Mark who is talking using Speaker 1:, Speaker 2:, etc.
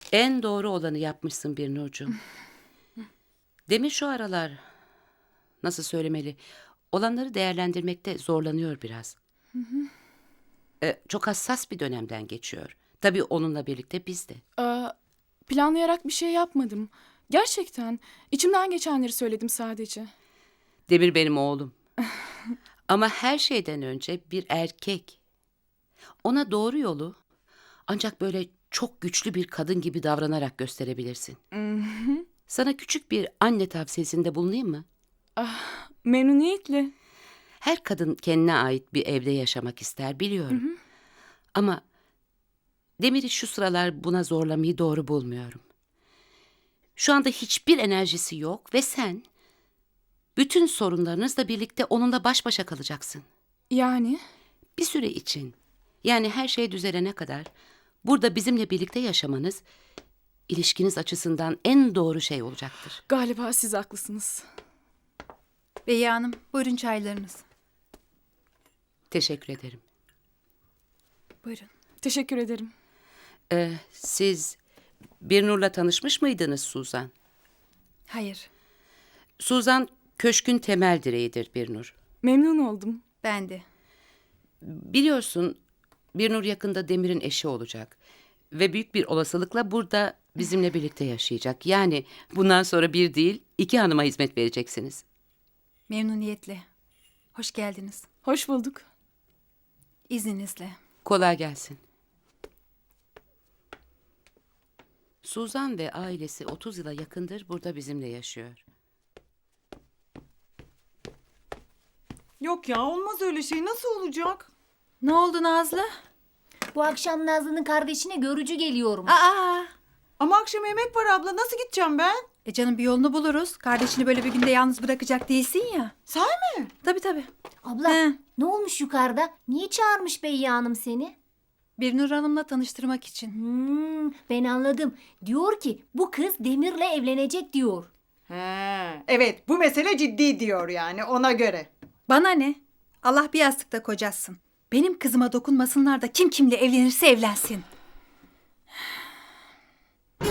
Speaker 1: En doğru olanı yapmışsın bir Nurcuğum. Demir şu aralar, nasıl söylemeli, olanları değerlendirmekte zorlanıyor biraz. Çok hassas bir dönemden geçiyor. Tabii onunla birlikte biz de.
Speaker 2: Planlayarak bir şey yapmadım. Gerçekten. İçimden geçenleri söyledim sadece.
Speaker 1: Demir benim oğlum. Ama her şeyden önce bir erkek. Ona doğru yolu ancak böyle çok güçlü bir kadın gibi davranarak gösterebilirsin. Sana küçük bir anne tavsiyesinde bulunayım mı?
Speaker 2: Memnuniyetle.
Speaker 1: Her kadın kendine ait bir evde yaşamak ister, biliyorum. Ama Demir'i şu sıralar buna zorlamayı doğru bulmuyorum. Şu anda hiçbir enerjisi yok ve sen bütün sorunlarınızla birlikte onunla baş başa kalacaksın.
Speaker 2: Yani?
Speaker 1: Bir süre için, yani her şey düzelene kadar burada bizimle birlikte yaşamanız ilişkiniz açısından en doğru şey olacaktır.
Speaker 2: Galiba siz haklısınız.
Speaker 3: Beyi Hanım, buyurun çaylarınız.
Speaker 1: Teşekkür ederim.
Speaker 3: Buyurun.
Speaker 2: Teşekkür ederim.
Speaker 1: Siz Birnur'la tanışmış mıydınız Suzan?
Speaker 3: Hayır,
Speaker 1: Suzan köşkün temel direğidir Birnur.
Speaker 2: Memnun oldum.
Speaker 3: ben de.
Speaker 1: Biliyorsun Birnur yakında Demir'in eşi olacak. Ve büyük bir olasılıkla burada bizimle birlikte yaşayacak. Yani bundan sonra bir değil, iki hanıma hizmet vereceksiniz.
Speaker 3: Memnuniyetle. Hoş geldiniz.
Speaker 2: Hoş bulduk.
Speaker 3: İzninizle.
Speaker 1: Kolay gelsin. Suzan ve ailesi 30 yıla yakındır burada bizimle yaşıyor.
Speaker 4: Yok ya, olmaz öyle şey. Nasıl olacak?
Speaker 3: Ne oldu Nazlı?
Speaker 5: Bu akşam Nazlı'nın kardeşine görücü geliyorum.
Speaker 3: Aa!
Speaker 4: Ama akşam yemek var abla. Nasıl gideceğim ben?
Speaker 3: Canım bir yolunu buluruz. Kardeşini böyle bir günde yalnız bırakacak değilsin ya.
Speaker 4: Sahi mi?
Speaker 3: Tabii.
Speaker 5: Abla
Speaker 3: He.
Speaker 5: ne olmuş yukarıda? Niye çağırmış Beyye Hanım seni?
Speaker 3: Birnur Hanım'la tanıştırmak için.
Speaker 5: Ben anladım. Diyor ki bu kız Demir'le evlenecek diyor.
Speaker 4: He, evet, bu mesele ciddi diyor yani, ona göre.
Speaker 3: Bana ne? Allah bir yastıkta kocasın. Benim kızıma dokunmasınlar da kim kimle evlenirse evlensin.